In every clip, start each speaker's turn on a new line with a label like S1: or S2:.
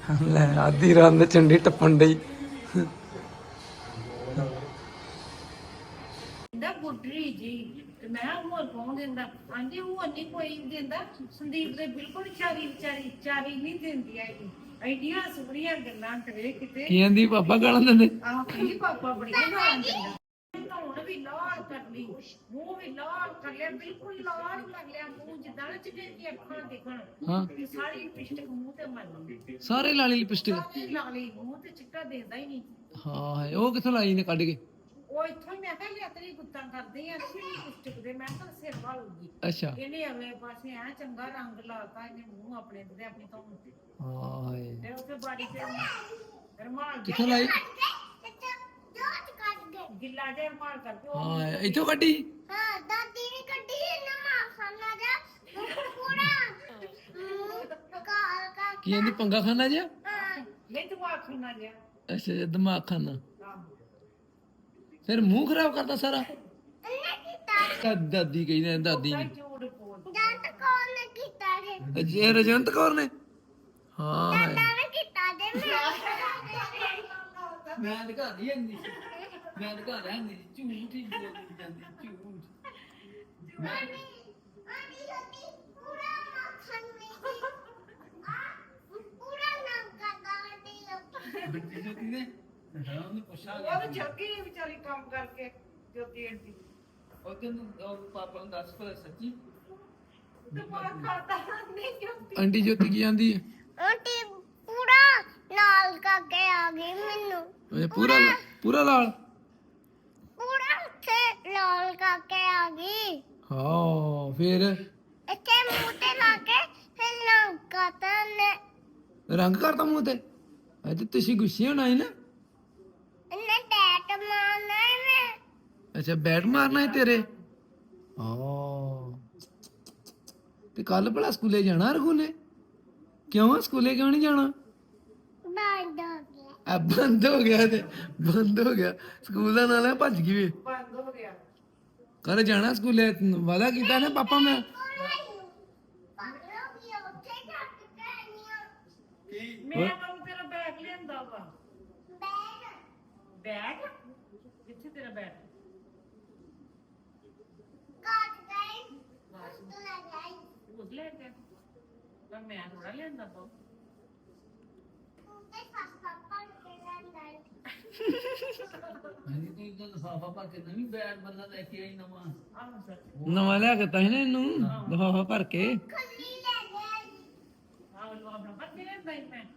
S1: ਲੈ ਆधी ਰਾਤ ਨੂੰ ਚੰਡੀ ਟੱਪਣ ਡਈ।
S2: ਕਹਿੰਦਾ ਗੁੱਡਰੀ ਜੀ ਤੇ ਮੈਂ ਕਿਹਾ ਹੋਰ ਕੌਣ ਦਿੰਦਾ? ਆਂਦੀ ਹੋਰ ਨਹੀਂ ਕੋਈ ਦਿੰਦਾ, ਸੰਦੀਪ ਦੇ ਬਿਲਕੁਲ ਚਾਰੀ ਨਹੀਂ ਦਿੰਦੀ ਹੈਗੀ। ਐਡੀਆਂ ਸੁਣੀਆਂ ਗੱਲਾਂ ਕਰੇ ਕਿਤੇ।
S1: ਕੀ ਕਹਿੰਦੀ ਪਾਪਾ ਗਾਲਾਂ ਦਿੰਦੇ?
S2: ਆਹ ਕਹਿੰਦੀ ਪਾਪਾ ਬੜੀਆਂ ਗਾਲਾਂ ਦਿੰਦਾ। ਧੌਣ ਵੀ ਲਾਲ ਕਰ ਲਈ, ਮੂੰਹ ਵੀ ਲਾਲ ਕਰ ਲਿਆ, ਬਿਲਕੁਲ ਲਾਲ ਕਰ ਲਿਆ ਮੂੰਹ, ਜਿੱਦਾਂ ਨਾ ਚਿੱਟੇ ਦੀਆਂ ਅੱਖਾਂ ਦਿਖਣ।
S1: ਹਾਂ
S2: ਤੇ ਸਾਰੀ ਲਿਪਸਟਿਕ ਮੂੰਹ ਤੇ ਮਰ ਗਈ,
S1: ਸਾਰੇ ਲਾਲੀ ਲਿਪਸਟਿਕ।
S2: ਸਾਰੀ ਲਾ ਲਈ ਮੂੰਹ ਤੇ, ਚਿੱਟਾ ਦਿੰਦਾ ਹੀ ਨਹੀਂ।
S1: ਹਾਂ ਉਹ ਕਿੱਥੋਂ ਲਾਈ ਨੇ ਕੱਢ ਕੇ?
S2: ਉਹ ਇੱਥੋਂ ਹੀ ਮੈਂ ਕਿਹਾ ਯਾਤਰੀ ਗੁੱਤਾਂ ਕਰਦੇ ਆ ਅਸੀਂ ਲਿਪਸਟਿਕ ਦੇ, ਮੈਂ ਤਾਂ ਸਿਰ ਵਾਲੂਗੀ।
S1: ਅੱਛਾ
S2: ਇਹਨੇ ਅਗਲੇ ਪਾਸੇ ਐ ਚੰਗਾ ਰੰਗ ਲਾਤਾ ਇਹਨੇ ਮੂੰਹ ਆਪਣੇ ਤੇ ਆਪਣੀ ਧੌਣ ਤੇ।
S1: ਹਾਏ
S2: ਤੇ ਉੱਥੇ ਬਾਰੀ ਤੇ ਰਮਾਲ
S1: ਕਿੱਥੋਂ ਲਾਈ?
S2: ਗਿੱਲਾ ਜਿਹਾ ਰਮਾਲ ਕਰਕੇ
S1: ਹਾਂ ਇੱਥੋਂ ਕੱਢੀ?
S3: ਹਾਂ ਦਾਦੀ ਨੇ ਕੱਢੀ ਨਾ ਖਾਣਾ ਜਾ ਪੂਰਾ ਕਾ
S1: ਕੀ ਕਹਿੰਦੀ ਪੰਗਾ ਖਾਨਾ ਜਿਆ?
S2: ਨਹੀਂ ਤੂੰ ਆਖਣਾ ਜਿਆ।
S1: ਅੱਛਾ ਜੀ, ਦਿਮਾਗ ਖਾਨਾ।
S2: ਆਹੋ।
S1: ਫਿਰ ਮੂੰਹ ਖਰਾਬ ਕਰਦਾ ਸਾਰਾ।
S3: ਇਹਨੇ ਕੀਤਾ
S1: ਦਾਦੀ ਕਹਿੰਦੇ ਦਾਦੀ
S2: ਤਾਂ
S1: ਨੇ।
S2: ਝੂਠ ਬੋਲ।
S3: ਜੰਟ ਕੌਣ ਨੇ ਕੀਤਾ ਜੇ
S1: ਅਜੇ ਰਜੰਤ ਕੌਰ ਨੇ? ਹਾਂ
S3: ਦਾਦਾ ਨੇ ਕੀਤਾ ਜੇ
S1: ਮੈਂ ਦਿਖਾ ਦੀ ਹੁੰਦੀ, ਮੈਂ ਦਿਖਾ ਰਿਹਾ ਹੁੰਦੀ ਝੂਠ ਹੀ ਬੋਲੀ ਜਾਂਦੀ ਝੂਠ।
S3: ਆਨੀ ਹੋਤੀ ਪੂਰਾ ਨਾ ਖਾਣੇ ਪੂਰਾ ਨਾ ਕਰਦਾ
S1: ਬੱਚੀ ਜੋਤੀ ਨੇ ਹਾਂ ਉਹਨੇ ਪੁੱਛਿਆ
S2: ਉਹ ਤਾਂ ਜੱਗੀ ਵਿਚਾਰੀ ਕੰਮ ਕਰਕੇ ਜੋਤੀ ਆਂਟੀ
S1: ਉਹ ਕਹਿੰਦਾ ਪਾਪਾ ਨੂੰ ਦੱਸ ਪਰ ਸੱਚੀ
S2: ਦਿਮਾਗ ਖਾਤਾ ਨਹੀਂ ਜੋਤੀ।
S1: ਆਂਟੀ ਜੋਤੀ ਕੀ ਆਂਦੀ ਹੈ?
S3: ਆਂਟੀ ਪੂਰਾ ਨਾਲ ਕਰਕੇ ਆ ਗਈ ਮੈਨੂੰ
S1: ਇਹ ਪੂਰਾ ਪੂਰਾ ਲਾਲ।
S3: ਪੂਰਾ ਉੱਥੇ ਲਾਲ ਕਰਕੇ ਆ ਗਈ
S1: ਹਾਂ ਫਿਰ
S3: ਇੱਥੇ ਮੂੰਹ ਤੇ ਲਾ ਕੇ ਫਿਰ ਲੰਕਾਤਾ ਨੇ
S1: ਰੰਗ ਕਰਤਾ ਮੂੰਹ ਤੇ। ਅੱਜ ਤੁਸੀਂ ਗੁੱਸੇ ਹੋਣਾ ਹੈ ਨਾ?
S3: ਇਹਨੇ ਟੈਟ ਮਾਰਨਾ ਇਹਨੇ
S1: ਅੱਛਾ ਬੈਟ ਮਾਰਨਾ ਹੈ ਤੇਰੇ? ਹਾਂ ਤੇ ਕੱਲ ਭਲਾ ਸਕੂਲੇ ਜਾਣਾ ਰਘੂਲੇ? ਕਿਉਂ ਸਕੂਲੇ ਕਿਉਂ ਨਹੀਂ ਜਾਣਾ?
S3: ਬੰਦ ਹੋ ਗਿਆ
S1: ਆ ਬੰਦ ਹੋ ਗਿਆ ਤੇ ਬੰਦ ਹੋ ਗਿਆ ਸਕੂਲ ਦਾ ਨਾਲ ਭੱਜ ਗਈ ਵੇ।
S2: ਬੰਦ ਹੋ ਗਿਆ।
S1: ਕੱਲ ਜਾਣਾ ਸਕੂਲੇ ਵਾਦਾ ਕੀਤਾ ਨਾ ਪਾਪਾ ਮੈਂ।
S2: ਮੈਂ ਕਹੂੰ ਤੇਰਾ ਬੈਗ ਲਿਆਂਦਾ ਵਾ। ਬੈਗ ਕਿੱਥੇ ਤੇਰਾ ਬੈਗ? ਉਸ ਲੈ ਕੇ ਪਰ ਮੈਂ ਥੋੜਾ ਲਿਆਂਦਾ ਵਾ।
S1: ਹਾਂਜੀ ਤੂੰ ਇਦਾਂ ਲਫਾਫਾ ਭਰ ਕੇ ਨਵੀਂ ਬੈਗ ਬੰਦਾ ਲੈ ਕੇ ਆਈ ਨਵਾਂ।
S2: ਆਹ ਸਰ
S1: ਨਵਾਂ ਲਿਆ ਕੇ ਤਾਂ ਸੀ ਨਾ ਇਹਨੂੰ ਲਫਾਫਾ ਭਰ ਕੇ।
S2: ਆਹ ਲੋ ਆਪਣਾ ਬੱਚੇ ਨੇ ਬੈਗ ਮੈਂ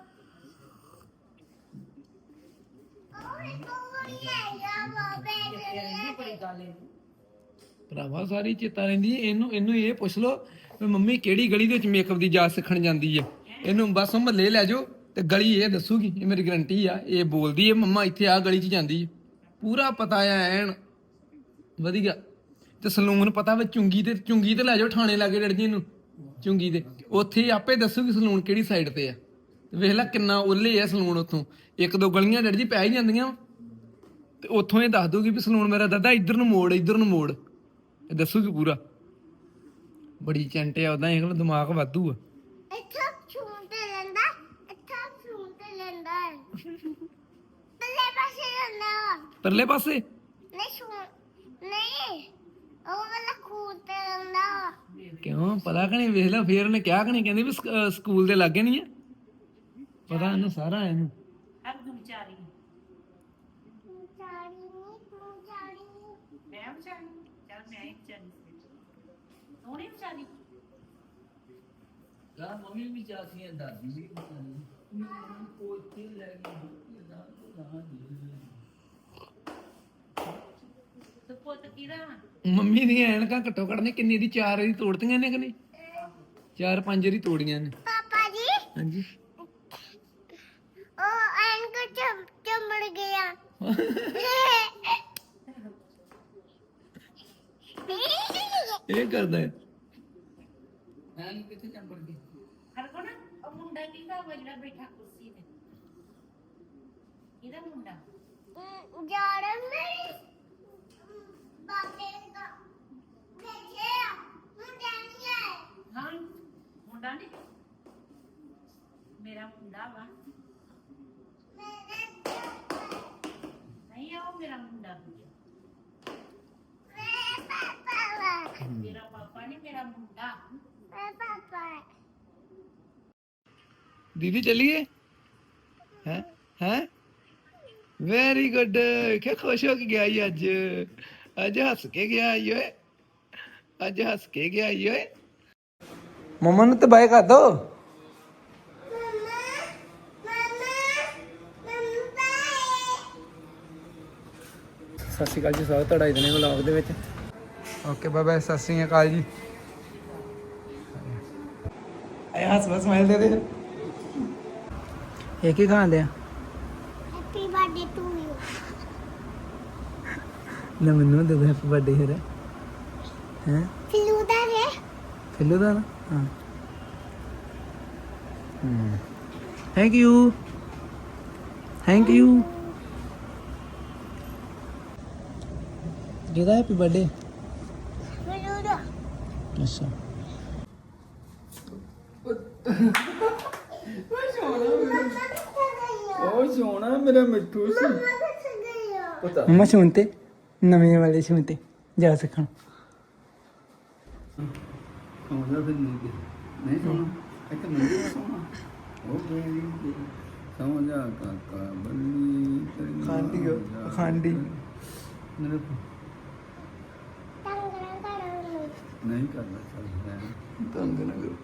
S2: ਤੇਰੀ ਬੜੀ ਗੱਲ ਹੈ।
S1: ਭਰਾਵਾ ਸਾਰੀ ਚੇਤਾ ਰਹਿੰਦੀ ਹੈ। ਇਹਨੂੰ ਇਹ ਪੁੱਛ ਲੋ ਵੀ ਮੰਮੀ ਕਿਹੜੀ ਗਲੀ ਦੇ ਵਿੱਚ ਮੇਕਅਪ ਦੀ ਜਾਚ ਸਿੱਖਣ ਜਾਂਦੀ ਹੈ। ਇਹਨੂੰ ਬਸ ਮਹੱਲੇ ਲੈ ਜਾਓ ਤੇ ਗਲੀ ਇਹ ਦੱਸੂਗੀ, ਇਹ ਮੇਰੀ ਗਰੰਟੀ ਆ। ਇਹ ਬੋਲਦੀ ਹੈ ਮੰਮਾ ਇੱਥੇ ਆ ਗਲੀ 'ਚ ਜਾਂਦੀ ਹੈ, ਪੂਰਾ ਪਤਾ ਆ ਐਨ ਵਧੀਆ। ਤੇ ਸਲੂਨ ਪਤਾ ਵਾ ਚੁੰਗੀ ਤੇ ਲੈ ਜਾਓ ਥਾਣੇ ਲਾਗੇ ਡੜ ਜੀ ਇਹਨੂੰ ਚੁੰਗੀ ਤੇ, ਉੱਥੇ ਆਪੇ ਦੱਸੂਗੀ ਸਲੂਨ ਕਿਹੜੀ ਸਾਈਡ ਤੇ ਆ। ਤੇ ਵੇਖ ਲੈ ਕਿੰਨਾ ਓਲੇ ਆ ਸਲੂਨ ਉੱਥੋਂ, ਇੱਕ ਦੋ ਗਲੀਆਂ ਡੜ ਜੀ ਪੈ ਹੀ ਜਾਂਦੀਆਂ ਤੇ ਉੱਥੋਂ ਇਹ ਦੱਸ ਦੂਗੀ ਵੀ ਸਲੂਨ ਮੇਰਾ ਦਾਦਾ ਇੱਧਰ ਨੂੰ ਮੋੜ ਇਹ ਦੱਸੂਗੀ ਪੂਰਾ। ਬੜੀ ਚੰਟੇ ਆ ਉਦਾਂ, ਇਹ ਦਿਮਾਗ ਵਾਧੂ ਆ।
S3: ਇੱਥੇ ਛੂਣ ਤੇ ਲੈਂਦਾ ਇੱਥੇ ਛੂਣ ਤੇ ਲੈਂਦਾ ਪੱਲੇ ਪਾਸੇ ਲੈਂਦਾ
S1: ਪਰਲੇ ਪਾਸੇ
S3: ਨਹੀਂ ਛੂਣ ਨਹੀਂ ਉਹ ਵਾਲਾ ਖੂਨ ਤੇ ਲੈਂਦਾ
S1: ਕਿਉਂ ਪਤਾ ਕਿ ਨਹੀਂ? ਵੇਖ ਲੈ ਫੇਰ ਉਹਨੇ ਕਿਹਾ ਕਿ ਨਹੀਂ, ਕਹਿੰਦੀ ਵੀ ਸਕੂਲ ਦੇ ਲਾਗੇ ਨਹੀਂ ਆ। ਪਤਾ ਇਹਨੂੰ ਸਾਰਾ ਇਹਨੂੰ।
S2: ਹਰ ਤੂੰ ਵਿਚਾਰੀ
S3: ਚਾੜੀ ਨਹੀਂ ਤੂੰ ਚਾੜੀ
S2: ਮੈਂ ਵਿਚਾਰੀ ਚੱਲ ਮੈਂ ਹੀ ਵਿਚਾਰੀ ਤੂੰ ਨਹੀਂ ਵਿਚਾਰੀ।
S1: ਗਾ ਮੰਮੀ ਵੀ ਚਾਹਤੀ ਹੈ, ਦਾਦੀ ਵੀ ਕੋਈ ਤੇ ਲੈ ਗਈ ਨਾ
S2: ਤੇ ਪੁੱਤ ਕਿਹਦਾ?
S1: ਮੰਮੀ ਦੀਆਂ ਐਨਕਾਂ ਘੱਟੋ ਘੱਟ ਨੇ ਕਿੰਨੀ ਦੀ 4 ਵਾਰੀ ਤੋੜਤੀਆਂ ਨੇ ਕਿ ਨਹੀਂ? 4-5 ਵਾਰੀ ਤੋੜੀਆਂ ਨੇ।
S3: ਪਾਪਾ ਜੀ
S1: ਹਾਂਜੀ
S3: ਉਹ ਐਨਕ ਚਮੜ ਗਿਆ
S1: ਇਹ ਕਰਦਾ ਹੈ ਐਨ ਕਿੱਥੇ ਚੰਬੜ ਗਈ?
S2: ਹਰ ਕੋ ਨਾ ਉਹ ਮੁੰਡਾ ਕਿਹਦਾ ਵਾ ਜਿਹੜਾ ਬੈਠਾ ਕੁਰਸੀ ਤੇ? ਕਿਹਦਾ ਮੁੰਡਾ?
S3: ਜਾੜਾ ਮੇਰੀ ਬਾਬੇ ਦਾ ਦੇਖਿਆ ਮੁੰਡਾ ਨਹੀਂ ਹੈ
S2: ਹਾਂ ਮੁੰਡਾ ਨਹੀਂ ਮੇਰਾ ਮੁੰਡਾ ਵਾ ਨਹੀਂ ਉਹ ਮੇਰਾ ਮੁੰਡਾ ਮੇਰਾ ਪਾਪਾ ਨਹੀਂ ਮੇਰਾ ਮੁੰਡਾ
S1: दीदी चलिए हैं हैं वेरी गुड क्या खुश हो के गया ये अज हस के गया ये अज हस के गया ये मम्मा ने तो बाय कर दो ਸਤਿ ਸ਼੍ਰੀ ਅਕਾਲ ਜੀ ਸਵਾਗਤ ਤੁਹਾਡਾ ਇਦਨੇ ਵਲੌਗ ਦੇ ਵਿੱਚ ਓਕੇ ਬਾਏ ਬਾਏ ਸਤਿ ਸ਼੍ਰੀ ਅਕਾਲ ਜੀ ਆਇਆ ਹੱਸ ਬਸ ਸਮਾਈਲ ਦੇ ਦੇ ਇਹ ਕੀ ਖਾਂਦੇ ਆ
S3: ਹੈਪੀ ਬਰਥਡੇ ਟੂ ਯੂ
S1: ਨਾ ਮੈਨੂੰ ਦੇ ਦੇ ਹੈਪੀ ਬਰਥਡੇ ਹੈ
S3: ਫਿਲੂ ਦਾ ਹੈ
S1: ਫਿੱਲੂ ਦਾ ਨਾ ਹਾਂ ਥੈਂਕ ਯੂ ਜਿਹਦਾ ਹੈਪੀ ਬਰਥਡੇ
S3: ਫਿਲੂ ਦਾ
S1: ਅੱਛਾ ਉਹ ਸੋਹਣਾ ਮੇਰਾ ਮਿੱਠੂ ਸੀ ਪਤਾ ਮੈਂ ਸੁਣਤੇ ਨਵੇਂ ਵਾਲੇ ਸੁਣਤੇ ਜਾ ਸਕਣ
S4: ਸੋਹਣਾ ਫਿਰ ਨਹੀਂ ਸੋਹਣਾ ਇੱਕ ਮੰਦੀ ਸੋਹਣਾ ਉਹ ਬੇਲੀ ਸਮਝਾ ਕਾਕਾ ਬੱਲੀ
S1: ਖਾਂਡੀ
S4: ਮੇਰੇ
S3: ਤੰਗ ਨਾ ਕਰੋ
S4: ਨਹੀਂ ਕਰਨਾ ਚਾਹੀਦਾ
S1: ਤੰਗ ਨਾ ਕਰੋ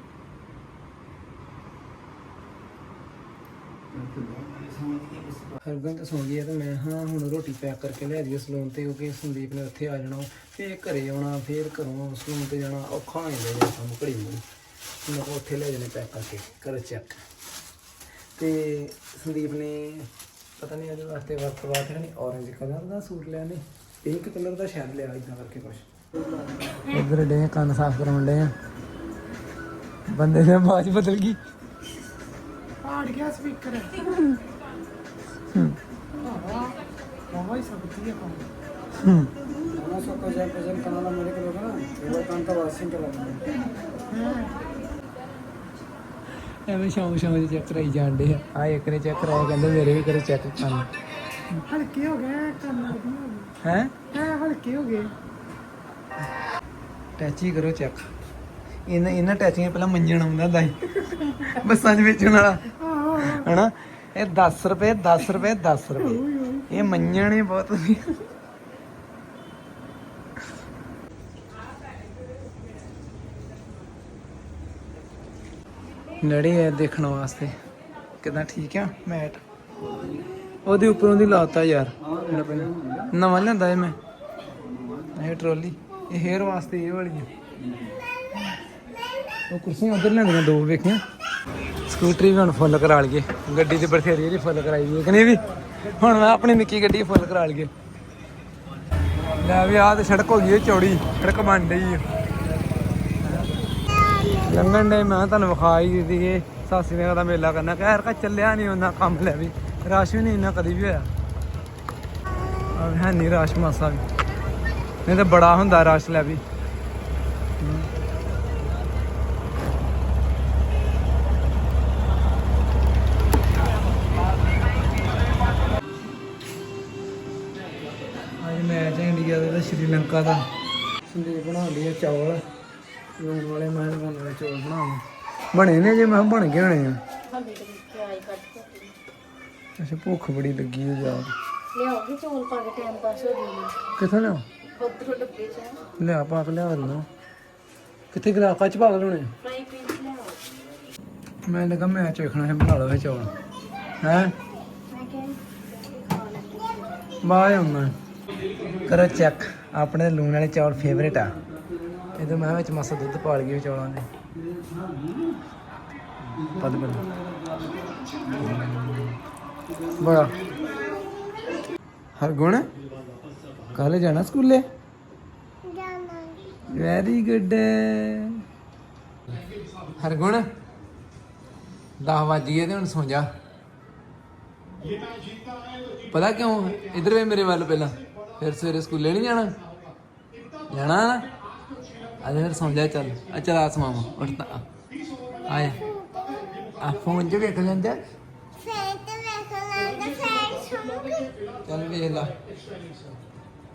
S1: ਹਰਗੁਣ ਤਾਂ ਸੌਂ ਗਈ ਹੈ ਤੇ ਮੈਂ ਹਾਂ ਹੁਣ ਰੋਟੀ ਪੈਕ ਕਰਕੇ ਲੈ ਜਾਈਏ ਸਲੂਨ ਤੇ ਕਿਉਂਕਿ ਸੰਦੀਪ ਨੇ ਉੱਥੇ ਆ ਜਾਣਾ ਫੇਰ ਘਰੇ ਆਉਣਾ ਫੇਰ ਘਰੋਂ ਸਲੂਨ ਤੇ ਜਾਣਾ ਔਖਾ ਹੋ ਜਾਂਦਾ ਕੰਮ ਘੜੀ ਨੂੰ ਮੈਂ ਕਿਹਾ ਉੱਥੇ ਲੈ ਜਾਣੇ ਪੈਕ ਕਰਕੇ ਕਰੋ ਚੈੱਕ ਤੇ ਸੰਦੀਪ ਨੇ ਪਤਾ ਨਹੀਂ ਇਹਦੇ ਵਾਸਤੇ ਵਰਤ ਵਾਸਤੇ ਨਹੀਂ ਔਰੇਂਜ ਕਲਰ ਦਾ ਸੂਟ ਲਿਆ ਨੇ ਪਿੰਕ ਕਲਰ ਦਾ ਸ਼ਾਇਦ ਲਿਆ ਇਦਾਂ ਕਰਕੇ ਕੁਛ ਇੱਧਰ ਡੇ ਕੰਨ ਸਾਫ਼ ਕਰਾਉਣ ਡੇ ਆ ਬੰਦੇ ਦੀ ਆਵਾਜ਼ ਬਦਲ ਗਈ
S2: ਆੜ ਗਿਆ ਸਪੀਕਰ ਮਾਮਾ ਹੀ ਸਬਤੀ ਹੈ ਕੰਮ
S1: ਉਹਨਾਂ ਸੋ ਕੋ ਜਾ ਪ੍ਰੈਜ਼ੈਂਟ ਕਰਨਾ ਮੇਰੇ ਕੋਲ ਨਾ ਉਹ ਕੰਮ ਤਾਂ ਵਾਸਿੰਗ ਕਰਾ ਐਵੇਂ ਸ਼ੌਂਕ ਦੇ ਚੈੱਕ ਕਰਾਈ ਜਾਂਦੇ ਆ ਇੱਕ ਨੇ ਚੈੱਕ ਕਰਾਇਆ ਕਹਿੰਦੇ ਮੇਰੇ ਵੀ ਕਰੇ ਚੈੱਕ ਕਰਨ
S2: ਹਲਕੇ ਹੋ ਗਏ ਕੰਨ ਵਧੀਆ ਹੋ
S1: ਹੈ
S2: ਗਏ ਹਲਕੇ ਹੋ ਗਏ
S1: ਟੈਚੀ ਕਰੋ ਚੈੱਕ ਇਹਨਾਂ ਟੈਚਿੰਗ ਪਹਿਲਾਂ ਮੰਜਣ ਆਉਂਦਾ ਹੁੰਦਾ ਸੀ ਬੱਸਾਂ 'ਚ ਵੇਚਣ ਵਾਲਾ ਹਨਾ ਇਹ 10 ਰੁਪਏ 10 ਰੁਪਏ 10 ਰੁਪਏ ਇਹ ਮੰਜਣ ਹੀ ਬਹੁਤ ਵਧੀਆ ਨੜੀ ਹੈ ਦੇਖਣ ਵਾਸਤੇ ਕਿਦਾਂ ਠੀਕ ਆ ਮੈਟ ਉਹਦੇ ਉੱਪਰੋਂ ਦੀ ਲਾਤਾ ਯਾਰ ਨਵਾਂ ਲਿਆਂਦਾ ਇਹ ਮੈਂ ਇਹ ਟਰੋਲੀ ਇਹ ਹੇਅਰ ਵਾਸਤੇ ਇਹ ਵਾਲੀ ਹੈ ਉਹ ਕੁਰਸੀਆਂ ਉਧਰ ਲੈਂਦੀਆਂ ਦੋ ਵੇਖੀਆਂ ਸਕੂਟਰੀ ਵੀ ਹੁਣ ਫੁੱਲ ਕਰਾ ਲਈਏ ਗੱਡੀ ਤੇ ਬਥੇਰੀ ਇਹਦੀ ਫੁੱਲ ਕਰਾਈ ਦੀ ਕਿ ਵੀ ਹੁਣ ਮੈਂ ਆਪਣੀ ਨਿੱਕੀ ਗੱਡੀ ਫੁੱਲ ਕਰਾ ਲਈਏ ਲੈ ਵੀ ਆਹ ਤੇ ਸੜਕ ਹੋ ਗਈ ਚੌੜੀ ਸੜਕ ਬਣ ਰਹੀ ਹੈ ਲੰਘਣ ਡੇ ਮੈਂ ਤੁਹਾਨੂੰ ਵਿਖਾ ਹੀ ਦਿੱਤੀ ਇਹ ਸਾਸੀ ਨੇ ਦਾ ਮੇਲਾ ਕਰਨਾ ਕਹਿਰ ਕਾ ਚੱਲਿਆ ਨਹੀਂ ਉਹਨਾਂ ਕੰਮ ਲੈ ਵੀ ਰਸ਼ ਵੀ ਨਹੀਂ ਇੰਨਾ ਕਦੀ ਵੀ ਹੋਇਆ ਹੈ ਨਹੀਂ ਰਸ਼ ਮਾਸਾ ਵੀ ਨਹੀਂ ਤਾਂ ਬੜਾ ਹੁੰਦਾ ਰਸ਼ ਲੈ ਵੀ ਅੱਜ ਮੈਚ ਹੈ ਇੰਡੀਆ ਦਾ ਤੇ ਸ਼੍ਰੀਲੰਕਾ ਦਾ ਸੰਦੀਪ ਬਣਾਉਂਦੀ ਹੈ ਚੌਲ ਲੂਣ ਵਾਲੇ ਮੈਂ ਬਣਾਉਣੇ ਚੌਲ ਬਣਾਉਂ ਬਣੇ ਨੇ ਜੇ ਮੈਂ ਬਣ ਗਏ ਹੋਣੇ ਆ ਅੱਛਾ ਭੁੱਖ ਬੜੀ ਲੱਗੀ ਹੈ ਯਾਰ
S2: ਲਿਆਓਗੇ ਚੌਲ ਪਾ ਕੇ ਟਾਈਮ ਪਾਸ ਹੋ ਜਾਊਗਾ
S1: ਕਿੱਥੋਂ ਲਿਆ
S2: ਉਧਰੋਂ ਡੱਬੇ ਚ
S1: ਲਿਆ ਪਾ ਕੇ ਲਿਆ ਦਿੰਦਾ ਕਿੱਥੇ ਗਲਾਫਾ ਚ ਪਾ ਕੇ ਲਾਉਣੇ
S2: ਫਰਾਈ ਪੈਨ ਚ ਲਿਆਓ
S1: ਮੈਂ ਲੱਗਾ ਮੈਚ ਵੇਖਣਾ ਹੈ ਬਣਾ ਲਓ ਇਹ ਚੌਲ ਹੈ
S2: ਮੈਂ ਕਿਹਾ
S1: ਬਾਏ ਆਉਣਾ ਕਰੋ ਚੈੱਕ ਆਪਣੇ ਲੂਣ ਵਾਲੇ ਚੌਲ ਫੇਵਰੇਟ ਆ ਇਹਦੇ ਮੈਂ ਵਿੱਚ ਮਾਸਾ ਦੁੱਧ ਪਾ ਲਈਏ ਚੌਲਾਂ ਦੇ ਪਦ ਬੜਾ ਹਰਗੁਣ ਕੱਲ ਜਾਣਾ ਸਕੂਲੇ
S3: ਜਾਨਾ
S1: ਵੈਰੀ ਗੁੱਡ ਹਰਗੁਣ 10 ਵੱਜ ਗਏ ਤੇ ਹੁਣ ਸੌਂ ਜਾ ਪਤਾ ਕਿਉਂ ਇਧਰ ਵੇ ਮੇਰੇ ਵੱਲ ਪਹਿਲਾਂ ਫਿਰ ਸਵੇਰੇ ਸਕੂਲੇ ਨਹੀਂ ਜਾਣਾ ਜਾਣਾ ਨਾ ਅੱਜ ਫਿਰ ਸੌਂ ਜਾ ਚੱਲ ਆ ਚਲ ਆ ਸਮਾਵਾ ਉੱਠ ਤਾਂ ਆਇਆ ਆ ਫੋਨ 'ਚ ਵੇਖ ਲੈਂਦੇ
S3: ਫੇਰ ਤੇ ਵੇਖ ਲੈਂਦਾ ਫੇਰ ਸੁਣੂਗੀ
S1: ਚੱਲ ਵੇਖ ਲਾ